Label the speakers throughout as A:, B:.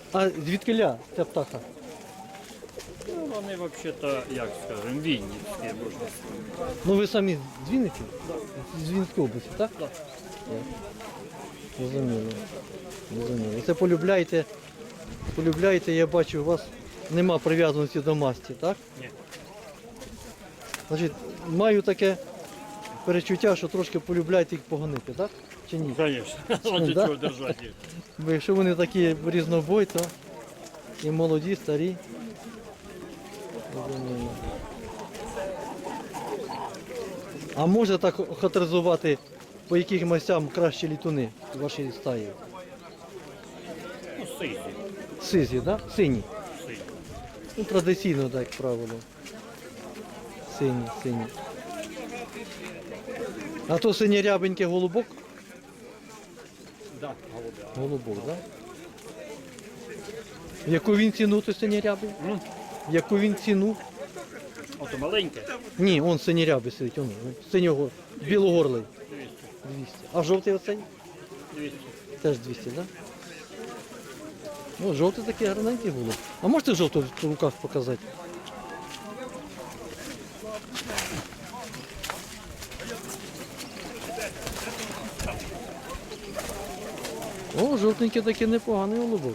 A: А звідкиля ця птаха?
B: Ну, вони взагалі-то, як скажемо, вінницькі, можна сказати.
A: Ну ви самі з Вінниці? З Вінницької області, так?
B: Так.
A: Розуміло. Розуміло. Це полюбляєте, я бачу, у вас нема прив'язаності до масті, так?
B: Ні.
A: Значить, маю таке перечуття, що трошки полюбляєте їх погонити, так? Чи ні?
B: Звісно, ради
A: Да?
B: чого держати їх.
A: Бо якщо вони такі різнобой, то і молоді, старі. Розуміло. А може так характеризувати, по яких мастям кращі літуни в вашій стаї?
B: Ну, сині.
A: Сизі, так? Сині.
B: Сині.
A: Ну, традиційно, так, як правило. Сині. А то синє-рябенький голубок?
B: Да, голубя.
A: Голубок, так? В яку він ціну, то синє-рябий?
B: Ну,
A: В яку він ціну?
B: ото маленьке.
A: Ні, он синє-рябий сидить, он, синього, білогорлий.
B: 200.
A: 200. А жовтий оцей?
B: 200.
A: Теж 200, так? Да? Ну, жовтий такий гарненький голуб. А можете жовтий в руках показати? О, жовтенький такий непоганий голубок.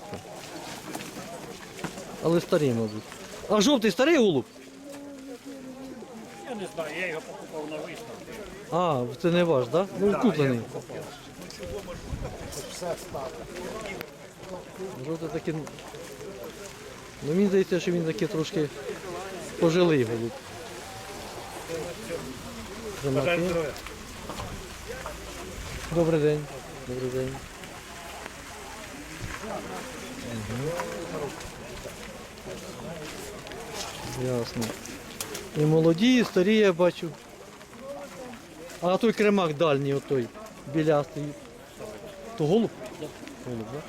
A: Але старий, мабуть. А жовтий старий голуб?
B: Я не знаю, я його покупав на виставку.
A: А, це не ваш, так? Да? Ну, куплений. Жовтий такий. Ну, мені здається, що він такий трошки пожилий голуб. Замки. Добрий день. Добрий день. Ясно. І молоді, і старі я бачу. А той кремак дальній, отой, білястий. То голуб? Голуб, так?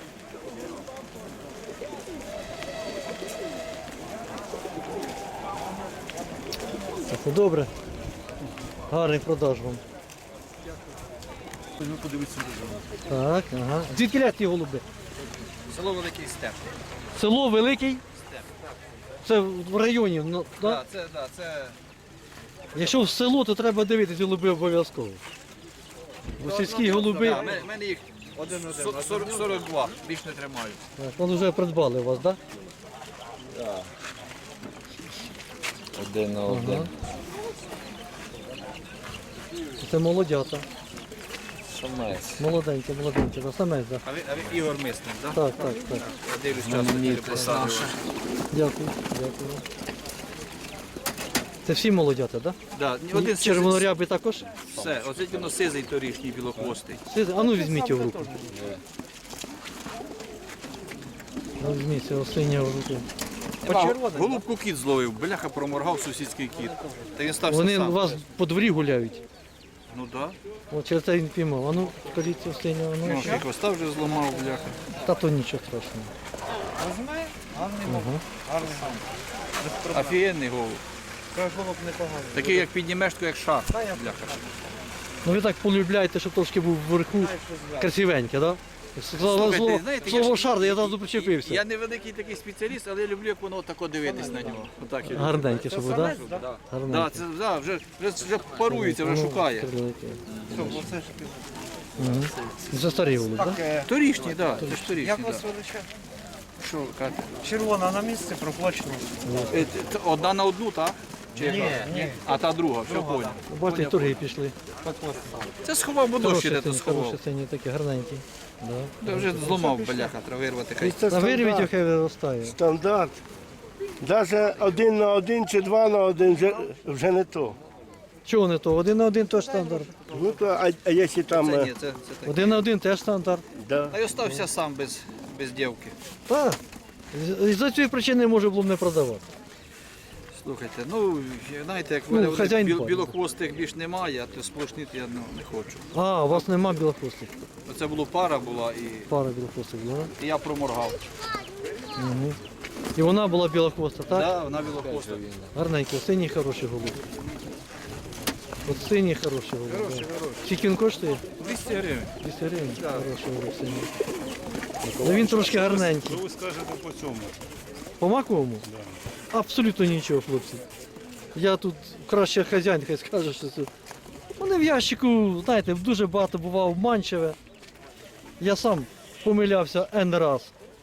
A: Так, добре. Гарний продаж вам.
C: Ну, подивитися.
A: Так, ага. Звідки ля ті голуби?
C: Село Великий Степ.
A: Село Великий? Це в районі, ну, да?
C: Це
A: Якщо в село, то треба дивитися голуби обов'язково. Бо сільські голуби,
C: в мене їх 42, більш не тримаю.
A: так, вони вже придбали у вас, так?
C: Один на
A: Ага. Це молодята.
C: Самець.
A: Молоденькі, да, самець, так.
C: А ви Ігор Мисник, так?
A: Так.
C: Я дивлюсь часто посаду.
A: Дякую. Це всі молодята, так?
C: Да, один
A: Червонорябий також?
C: Все, оце воно сизий торішній білохвостий.
A: А ну візьміть його в руку. Ну, візьміть цього синього в руку.
C: Голубку кіт зловив, бляха проморгав сусідський кіт. Та він стався
A: Вони
C: сам.
A: у вас по дворі гуляють.
C: Ну так.
A: От через це він піймав. А ну, скажіть цього синього.
C: Ну,
A: Ну,
C: ще хвоста вже зламав, бляха.
A: та то нічого страшного.
C: Офігенний голуб. Такий, як піднімеш, то як шар. Бляха.
A: Ну ви так полюбляєте, щоб трошки був вверху красивенький, так?
C: Слухайте, знаєте, я
A: Слово
C: ж-
A: шар, я одразу причепився.
C: Я не великий такий спеціаліст, але я люблю, як воно тако дивитись на нього. Отак я люблю.
A: Гарненький, щоб, так?
C: Да. Да,
A: Гарненький.
C: вже парується, вже шукає.
A: Це старий голуб, так?
C: Торішній, так, це ж торішній.
D: Як вас
C: Да.
D: величає?
C: Що, Катя?
D: Червона на місці проплачено.
C: Одна на одну, так? Чи яка?
D: Ні.
C: А та друга, все понял.
A: Бачите, і торги пішли.
C: Це сховав, бо дощ іде, то
A: Хороші
C: сховав.
A: сині, такі гарненькі. Да.
C: Я вже зламав, бляха, треба вирвати хай.
E: Це
A: Та вирвіть,
E: стандарт.
A: хай виростає.
E: Стандарт. Навіть 1 на 1 чи 2 на 1 вже не то.
A: Чого не то? 1 на 1 теж стандарт.
E: Ну, то, а якщо там...
C: Це ні, це так.
A: 1 на 1 теж стандарт.
E: Да.
C: А я остався сам без дівки.
A: Так. За цієї причини може було б не продавати.
C: Слухайте, ну, знаєте, як в
A: Ну,
C: мене вони
A: хазяїн пане.
C: білохвостих більш немає, а то сплошнити я не хочу.
A: А, у вас нема білохвостих.
C: Оце була пара була
A: Пара білохвостих була.
C: і я проморгав.
A: Угу. І вона була білохвоста, так?
C: Да, вона білохвоста.
A: Гарненький, синій хороший голуб. От синій хороший голуб. Скільки він коштує?
C: 200 гривень.
A: 200 гривень. Хороший голуб синій. Ну, він трошки гарненький.
F: Що ви скажете по цьому?
A: По маковому? Абсолютно нічого, хлопці. Я тут краще хазяїн, хай скаже, що це. Вони в ящику, знаєте, дуже багато бував обманчиве. Я сам помилявся N раз.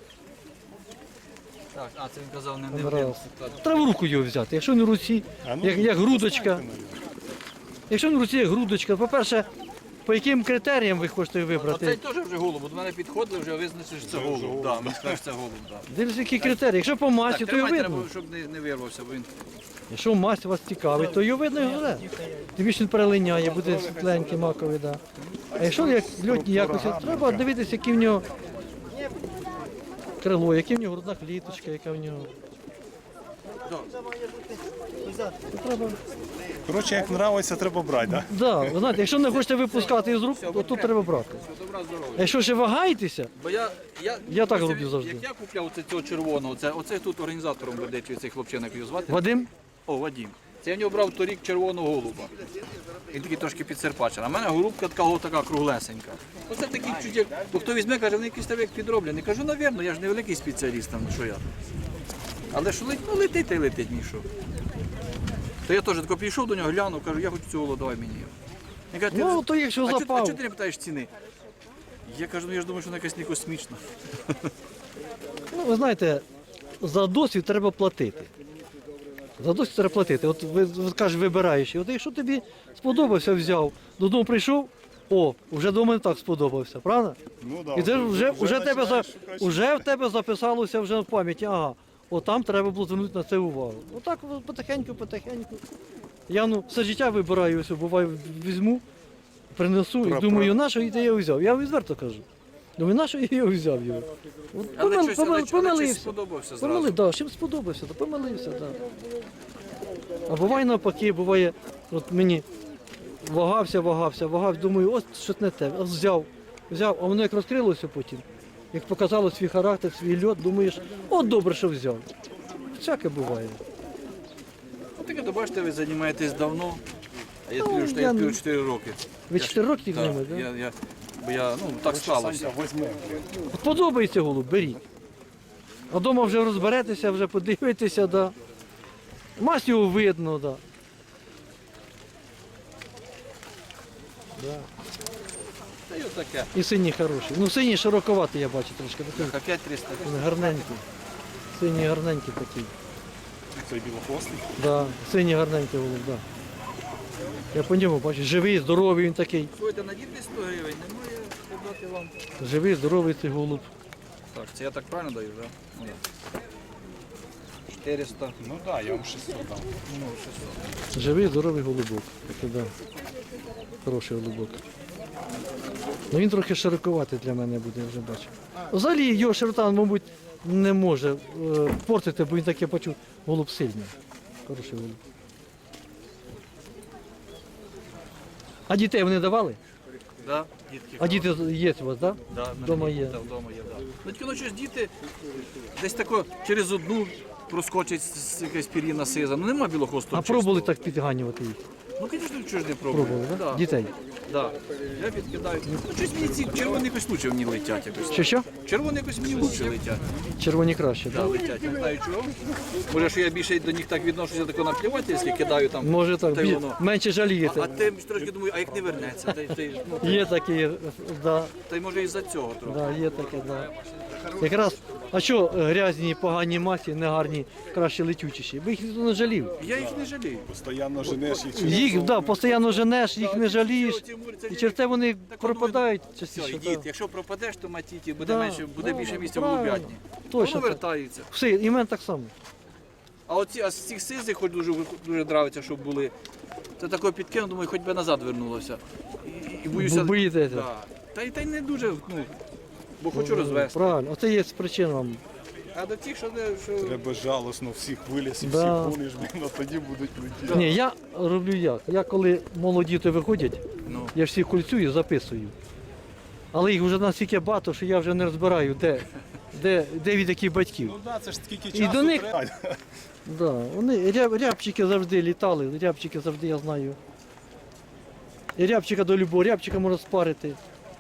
C: Так, а це він казав не
A: N раз. Треба в руку його взяти. Якщо не в руці, як грудочка. Якщо не в руці, як грудочка. По-перше, по яким критеріям ви хочете
C: Оцей
A: вибрати?
C: теж вже голуб. До мене підходили, вже визначив, що це голуб. Да, він сказав, що це голуб. Да.
A: Дивіться, які критерії. Якщо по масті,
C: Так,
A: то його
C: тримай,
A: видно.
C: треба, щоб не вирвався, бо він...
A: Якщо масть вас цікавить, то його видно і вже. Тим більше він перелиняє, буде світленький маковий, да. А якщо як льотні якості, треба дивитися, які в нього крило, яка в нього грудна кліточка, яка в нього. Треба.
F: Коротше, як нравиться, треба брати, так?
A: Да, ви знаєте, якщо не хочете випускати із рук, то тут треба брати.
C: Добра, здорова.
A: А якщо ще вагаєтеся,
C: Бо
A: Я так
C: ось
A: роблю завжди.
C: Як я купляв цього червоного, оце тут організатором веде, чи цей хлопчина, як його звати?
A: Вадим,
C: О, Вадим. Це я в нього брав торік червоного голуба. Він такий трошки підсерпачений. А в мене голубка така круглесенька. Оце такий чуть як, бо хто візьме, каже, вони якісь там як підроблені. Кажу, навірно, я ж не великий спеціаліст там, що я. Але що летить та й летить, мій що. То я теж тако підійшов до нього, глянув, кажу, я хочу цього, давай мені його. Він каже,
A: ну то якщо
C: а чого
A: запав.
C: ти не питаєш ціни? Я кажу, ну я ж думаю, що вона якась не космічна.
A: Ну, ви знаєте, за досвід треба платити. За досвід треба платити. От ви кажеш, вибираєш. І от якщо тобі сподобався, взяв, додому прийшов, о, вже до мене так сподобався, правда?
F: Ну, да,
A: І це
F: починаєш шукати.
A: вже в тебе записалося вже в пам'яті, ага, от там треба було звернути на це увагу. Отак потихеньку. Я все життя вибираю, ось, буває, візьму, принесу і думаю, на що я його взяв? Я відверто кажу. Думаю, на що я його взяв його? От
C: Але щось
A: помилився.
C: сподобався зразу.
A: Помилив, да, чим сподобався, то помилився, так. Да. А буває навпаки, буває, от мені вагався, думаю, ось щось не те. Ось взяв, а воно як розкрилося потім, як показало свій характер, свій льот, думаєш, от добре, що взяв. Всяке буває.
C: Ну, таке, то бачите, ви займаєтесь давно, а я
A: Ну,
C: тлю, що
A: я
C: я
A: не-
C: п'ю 4 роки.
A: Ви 4 роки
C: Так,
A: ними, так?
C: бо я, ну, так сталося.
A: От подобається голуб, беріть. А вдома вже розберетеся, вже подивитеся, да. Масть його видно, да.
C: Та й отаке.
A: І синій хороший. Ну синій широковатий, я бачу трошки. Такий
C: А 5300.
A: гарненький. Синій гарненький такий.
F: Цей білохвостий.
A: Да, синій гарненький голуб, да. Я по ньому бачу, живий, здоровий він такий.
C: Слухайте, на діти 100 гривень, немає подати вам.
A: Живий, здоровий цей голуб.
C: Так, це я так правильно даю, так? Да? 400.
F: Ну так, я вам 600 дам.
A: Живий, здоровий голубок. Такий, да. Хороший голубок. Ну він трохи широковатий для мене буде, я вже бачу. Взагалі його широта, мабуть, не може портити, бо він таке почув. Голуб сильний. Хороший голуб. А дітей вони давали?
C: Да, дітки.
A: А діти є у вас, так?
C: Да,
A: Вдома є.
C: Да, вдома є, да. Ну тільки ну, щось діти десь тако через одну проскочить якась пір'їна сиза. Ну нема білохвостого.
A: А пробували
C: чистого.
A: так підганювати їх?
C: Ну, звісно, чого ж не пробували.
A: Пробували, так?
C: Да.
A: Дітей.
C: Да. Я підкидаю. Ну, щось мені ці червоні якось лучше мені летять якось.
A: Що?
C: Червоні якось мені лучше летять.
A: Червоні краще,
C: Да,
A: так?
C: летять. Не знаю чого. Може, що я більше до них так відношуся тако наплівательськи, кидаю там.
A: Може так,
C: та й воно.
A: менше
C: А
A: жалієте.
C: ти трошки думаю, а як не вернеться? Ну,
A: Є такі, да,
C: та й може із-за цього трохи.
A: да, є таке, да. Якраз, а що грязні, погані масі, негарні, краще летючіші? Бо їх ніхто не жалів.
C: Я їх не жалію.
F: Постоянно женеш їх.
A: Їх, да, постійно женеш, їх не жалієш. І через те вони пропадають
C: Все,
A: частіше.
C: йдіть.
A: Да.
C: Якщо пропадеш, то матіті, буде
A: Да,
C: менше, буде
A: да,
C: більше місця в
A: правильно.
C: голубятні.
A: Точно
C: Воно
A: так.
C: вертаються.
A: Все, і в мене так само.
C: А з цих сизих, хоч дуже нравиться, щоб були. Це такого підкинув, думаю, хоч би назад вернулося. І боюся.
A: Бо боїтеся?
C: Да. Та й не дуже, ну, бо хочу розвести.
A: Правильно, оце є причина вам.
C: А до тих, що не. Що...
F: Треба жалосно всіх виліз і
A: Да.
F: всіх гониш, блін, а тоді будуть летіти.
A: Ні, я роблю як. Я коли молоді то виходять,
C: Ну.
A: я всіх кульцюю, записую. Але їх вже настільки багато, що я вже не розбираю, де від яких батьків.
F: Ну так, це ж скільки
A: І
F: часу
A: до них-
F: треба.
A: Да, вони рябчики завжди літали, рябчики завжди я знаю. І рябчика до любого, рябчика можна спарити.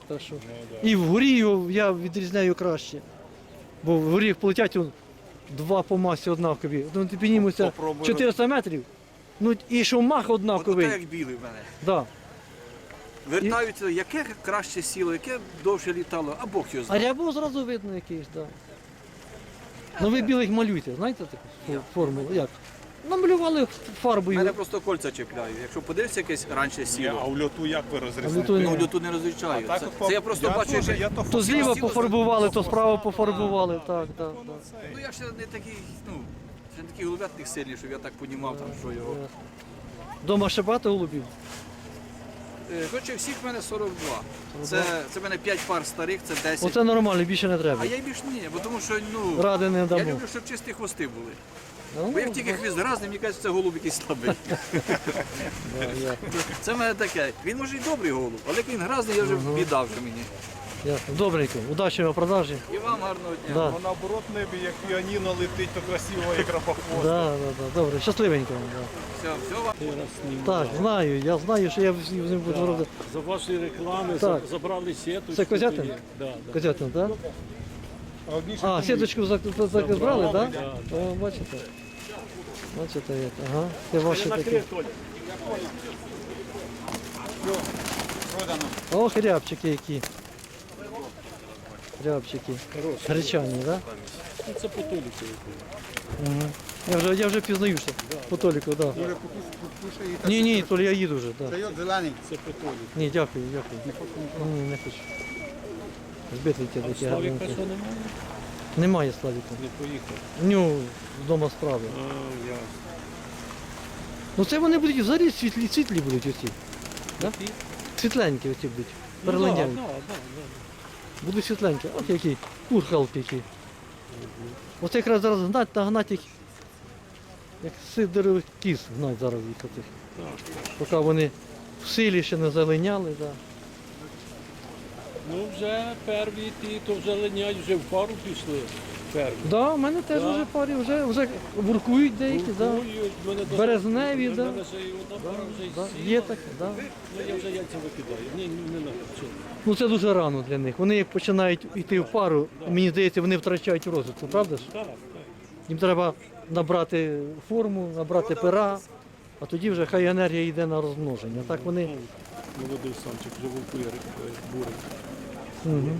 A: Так що. І вгорі його я відрізняю краще. Бо вгорі як полетять два по масі однакові. Ну, ти піднімуся
F: Попробуй
A: 400 метрів. Ну і що мах
C: От
A: однаковий.
C: так як білий в мене.
A: Да.
C: Вертаються, яке краще сіло, яке довше літало, а Бог його
A: А
C: знає.
A: рябо зразу видно якийсь, так. Да. Ну ви білих малюєте, знаєте таку формулу? Як? Намалювали фарбою.
C: Мене просто кольця чіпляю. Якщо подивишся якесь раніше
F: А
C: сіло,
F: в льоту як ви
A: А в льоту
F: розрізните?
A: ні.
C: ну люту не розлічаю.
F: Так,
C: Це я просто бачу,
F: теж-
C: як...
F: я
A: То зліва
C: Сіло
A: пофарбували, то справа пофарбували. Так, так, так.
C: Ну я ще не такий, ну, ще не такий голубятник сильний, щоб я так понімав, там, що його.
A: Дома ще багато голубів?
C: Хоча всіх в мене 42. Це в мене 5 пар старих, це 10.
A: Оце нормально, більше не треба.
C: А я й більш ні, бо тому що, ну,
A: Ради не
C: я
A: дамо.
C: люблю, щоб чисті хвости були.
A: Ну,
C: Бо як тільки хвіст грязний, мені кажуть, це голуб якийсь слабий. Це в мене таке. Він може й добрий голуб, але як він грязний, я вже біда вже мені.
A: ясно. Добренько, удачі в продажі.
C: І вам гарного дня.
A: Да.
F: Бо наоборот небі, як піаніно летить, то красиво, як рапохвост.
A: Да, да, да. Добре, щасливенько. Да.
C: Все вам.
A: Так, знаю, я знаю, що я з ним буду робити.
G: За ваші реклами
A: Так.
G: забрали сіточку.
A: Це Козятин?
G: тоді. Да, да.
A: Козятин, так?
F: А одні ще
A: А,
F: думають,
A: сіточку забрали, так?
G: да.
A: О, бачите. Бачите, як. Ага. Це ваші такі.
G: Накрив, Толя.
A: Ох, рябчики які. Рябчики. Гречані, так?
G: Ну, це потоліки.
A: Угу. Я вже пізнаю, що по Толіку, так. Да. Ні, Толі, я їду вже, так. Да.
G: Це потолік.
A: Ні, дякую, дякую. Ні, не хочу. Збитий ті такі
G: Славіка
A: гарненькі.
G: що немає?
A: Немає Славіка.
G: Не поїхав.
A: У нього вдома справи.
G: А, ясно.
A: Ну це вони будуть взагалі світлі будуть оці. Да? Світленькі оці будуть. Перелиняють.
G: Ну, да.
A: Будуть світленькі. От які курхалки які. Оце якраз зараз нагнать їх, як сидорових кіз гнать зараз їх отих. Поки вони в силі ще не залиняли. Да.
G: Ну вже перві ті, то вже линяють, вже в пару пішли. Перві.
A: Да, у мене теж
G: Да.
A: вже парі, вже буркують деякі, да.
G: Куркують, в мене даже-
A: Березневі,
G: в
A: да.
G: мене ще і одна пара вже й
A: Да.
G: сіла.
A: Є таке, да.
G: Ну я вже яйця викидаю. Ні, не надо. Чого?
A: Ну це дуже рано для них. Вони як починають йти в пару, мені здається, вони втрачають розвитку, правда ж?
G: Так, так.
A: Їм треба набрати форму, набрати пера, а тоді вже хай енергія йде на розмноження. Так вони.
G: Молодий самчик вже вовкує бурить.
A: Угу.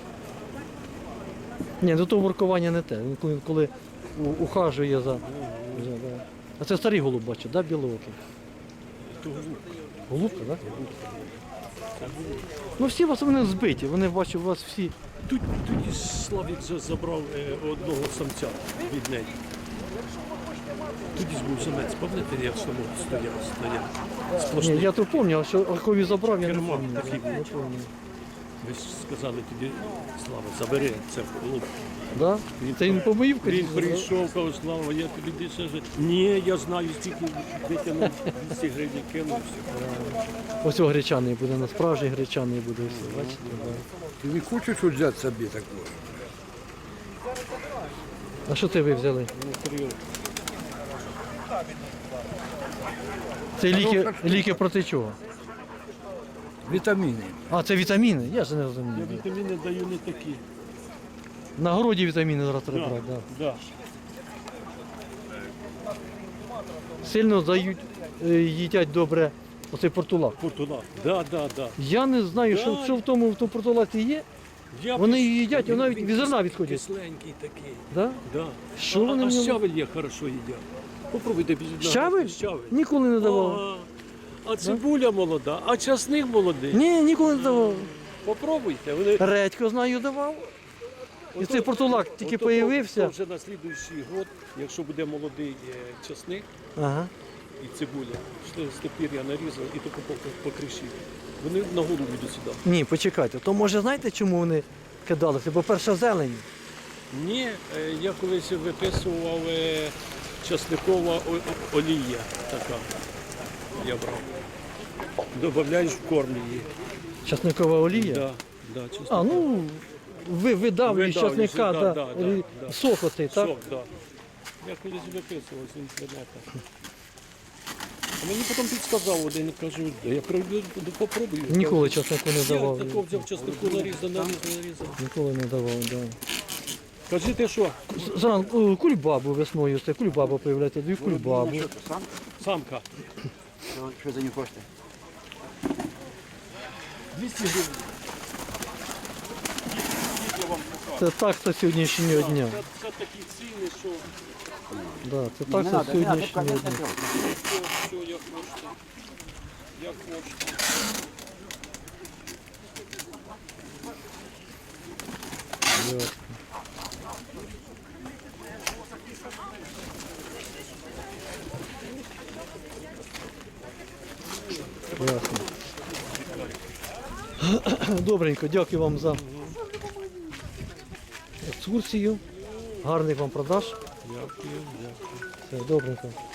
A: Ні, ну то воркування не те. Він коли ухажує за. Да. А це старий голуб бачить, да, білоокий?
G: То голубка.
A: Голубка, так? Да? Ну всі у вас вони збиті, вони бачу, у вас всі.
G: Тоді Славік забрав одного самця від неї. Тоді ж був самець, пам'ятаєте, як стояв.
A: Ні,
G: Сплошний.
A: я то пам'ятаю, що Архові забрав, я не
G: Керман
A: пам'ятаю.
G: такий.
A: Не пам'ятаю.
G: Ви ж сказали тоді, Слава, забери це голуб.
A: Да? Це він побоїв
G: Він прийшов, каже, Слава, я тобі більше вже. Ні, я знаю, скільки витягнув 200 гривень кинув. все.
A: Ось гречаний буде, на справжній гречаний буде. Все, бачите? Да.
H: Ты не хочешь взять себе такое?
A: А що це ви взяли? Це ліки проти чого?
H: Витамины.
A: А, це вітаміни? Я ж не
G: Я
A: розумію.
G: вітаміни даю не такі.
A: На городі вітаміни зараз треба брати, да.
G: Да.
A: Сильно дають, їдять добре оцей портулак.
G: Портула. Да.
A: Я не знаю,
G: Да.
A: що в тому портулаці є.
G: Я
A: Вони
G: пос-
A: її їдять,
G: Він-
A: вона навіть
G: він
A: від зерна
G: кис-
A: відходять.
G: Кисленький такий.
A: Да?
G: Да.
A: Що вони
G: а
A: в ньому?
G: щавель є хорошо їдять. Попробуйте без
A: Щавель?
G: Щавель.
A: Ніколи не давав.
G: Ага. А цибуля молода, а часник молодий.
A: Ні, ніколи не давав.
G: Попробуйте. Вони...
A: Редько знаю давав. І цей портулак тільки
G: Ото
A: появився.
G: Вже на слідуючий год, якщо буде молодий часник
A: Ага.
G: і цибуля, що з тепер я нарізав і тільки по криші. Вони на голову йдуть сюди.
A: Ні, почекайте. То може знаєте, чому вони кидалися? Бо перша зелень.
G: Ні, я колись виписував часникова олія така. Я брав. Добавляєш в корм її.
A: Часникова олія.
G: Да, часникова.
A: А, ну видавлюєш
G: Видавлюєш,
A: часника,
G: да,
A: да,
G: да.
A: сок оцей, так?
G: Сок, да. Я колись виписував з інтернету. А мені потім підсказав один, кажу, я прийду, попробую.
A: Ніколи часнику не давав.
G: Я такого взяв часнику, нарізав.
A: Ніколи не давав, да.
G: Кажи, ти що?
A: Зранку кульбабу весною, це кульбаба появляється, дві кульбабу.
G: Самка.
C: Що за нього хочете?
G: 200 гривень.
A: Це такса сьогоднішнього дня.
G: Це такі ціни, що
A: Да, це такса сьогоднішнього дня.
G: все, як хочете. Як хочете.
A: Ясно. Ясно. Добренько, дякую вам за екскурсію. Гарних вам продаж.
G: Дякую.
A: Все, добренько.